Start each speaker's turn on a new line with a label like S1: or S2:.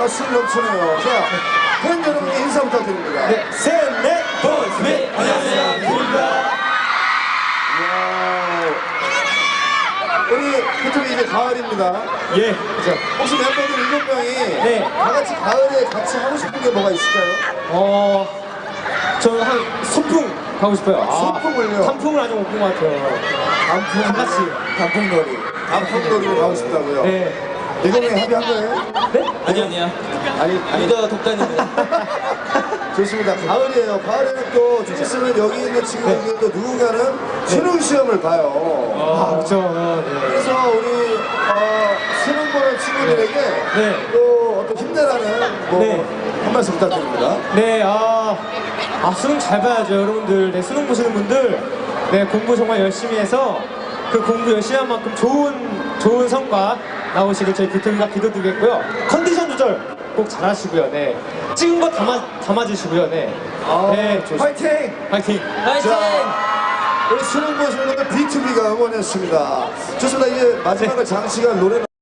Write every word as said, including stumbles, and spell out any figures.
S1: 가슴 넘치네요. 자, 팬 여러분께 인사 부탁드립니다.
S2: 네, 셋, 넷, 보이스 미 안녕하세요, 뷰입니다.
S1: 우리 그쪽이 이제 가을입니다.
S2: 예.
S1: 자, 혹시 멤버들 일곱 명이
S2: 네.
S1: 다 같이 가을에 같이 하고 싶은 게 뭐가 있을까요?
S2: 어, 저는 한 소풍 가고 싶어요.
S1: 소풍을요?
S2: 아, 단풍을 아직 못 본 것 같아요.
S1: 단풍,
S2: 다 같이.
S1: 단풍놀이. 단풍놀이를 가고 싶다고요?
S2: 네.
S1: 일곱 명이 합의한 거예요?
S2: 네?
S3: 아니 아니야.
S1: 아니, 아니.
S3: 리더 독단인데.
S1: 좋습니다. 가을이에요. 가을에는 또 좀 있으면 여기 있는 친구들 또 누군가는 수능 시험을 봐요.
S2: 아, 그렇죠. 네.
S1: 그래서 우리 어, 수능 보는 친구들에게
S2: 네.
S1: 또 어떤 힘내라는 뭐
S2: 네.
S1: 한 말씀 부탁드립니다.
S2: 네, 아, 아, 수능 잘 봐야죠, 여러분들. 네, 수능 보시는 분들. 네, 공부 정말 열심히 해서 그 공부 열심히 한 만큼 좋은, 좋은 성과 나오시길 저희 비토미가 기도드리겠고요. 컨디션 조절 꼭 잘하시고요. 네. 찍은 거 담아, 담아주시고요. 네.
S1: 아,
S2: 네, 좋습니다.
S1: 파이팅!
S2: 파이팅!
S3: 파이팅!
S1: 우리 수능 보시는 분들 비투비가 응원했습니다. 좋습니다. 이제 마지막으로 장시간 노래